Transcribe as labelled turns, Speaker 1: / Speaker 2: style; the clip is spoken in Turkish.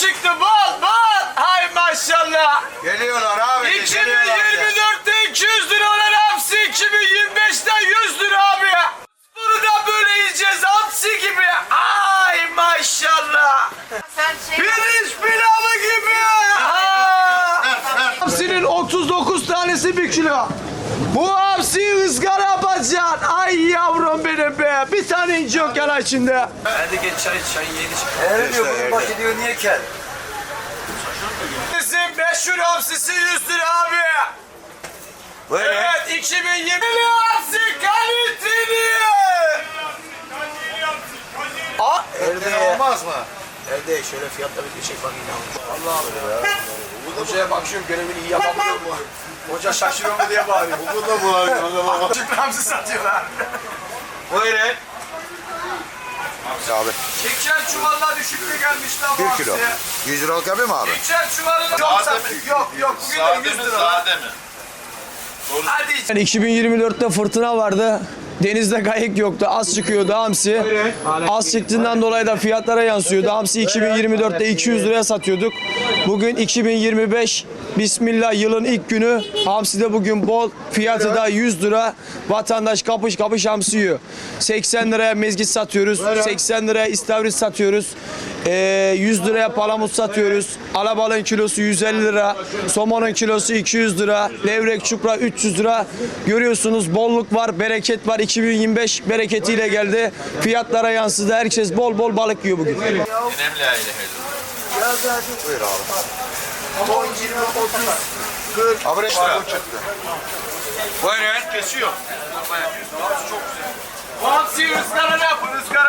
Speaker 1: çıktı bol bol. Hay maşallah.
Speaker 2: Geliyorlar abi.
Speaker 1: 2024'te 200 lira olan hamsi 2025'te 100 lira abi. Bunu da böyle yiyeceğiz hamsi gibi. Ay maşallah. Pirinç pilavı gibi. Hamsinin 39 tanesi 1 kilo. Bu hamsiyi ızgara yapacaksın. Ay yavrum benim be. Bir tane inci yok yana içinde.
Speaker 3: Hadi geç çay yeni çık.
Speaker 2: Eğer diyor bunun başı diyor niye kel?
Speaker 1: Bizim meşhur hamsisi 100 lira abi.
Speaker 2: Böyle.
Speaker 1: Evet 2020 hamsi kaliteli.
Speaker 2: Evde olmaz mı?
Speaker 3: Evde şöyle fiyatla bir çek bakayım.
Speaker 1: Hocaya bakıyorum görevini iyi yapamıyor mu? Hoca şaşırıyor mu diye bağırıyor.
Speaker 2: Bu da bu abi.
Speaker 1: Şimdi hamsi satıyorlar.
Speaker 2: Buyurun. Abi.
Speaker 1: Şeker çuvalına düşük mü gelmiş lan bu
Speaker 2: 1
Speaker 1: hamsi?
Speaker 2: kilo. 100 liralık yapayım mı abi?
Speaker 1: Şeker çuvalına yok sattık. Yok bugün de 100 lira.
Speaker 4: Sade mi?
Speaker 1: Hadi.
Speaker 5: 2024'te fırtına vardı. Denizde kayık yoktu. Az çıkıyordu hamsi. Az çıktığından dolayı da fiyatlara yansıyordu. Hamsi 2024'te 200 liraya satıyorduk. Bugün 2025. Bismillah yılın ilk günü. Hamsi de bugün bol. Fiyatı da 100 lira. Vatandaş kapış kapış hamsi yiyor. 80 liraya mezgit satıyoruz. 80 liraya istavrit satıyoruz. 100 liraya palamut satıyoruz. Alabalığın kilosu 150 lira. Somonun kilosu 200 lira. Levrek, çupra 300 lira. Görüyorsunuz bolluk var, bereket var. 2025 bereketiyle geldi. Fiyatlara yansıdı. Herkes bol bol balık yiyor bugün.
Speaker 4: Önemli aile.
Speaker 2: Buyur abi. 10, 20, 30, 40. Abi bu çıktı.
Speaker 4: Buyurun. Kesiyor.
Speaker 1: Bu hamsiyi ızgara ne yapın ızgara?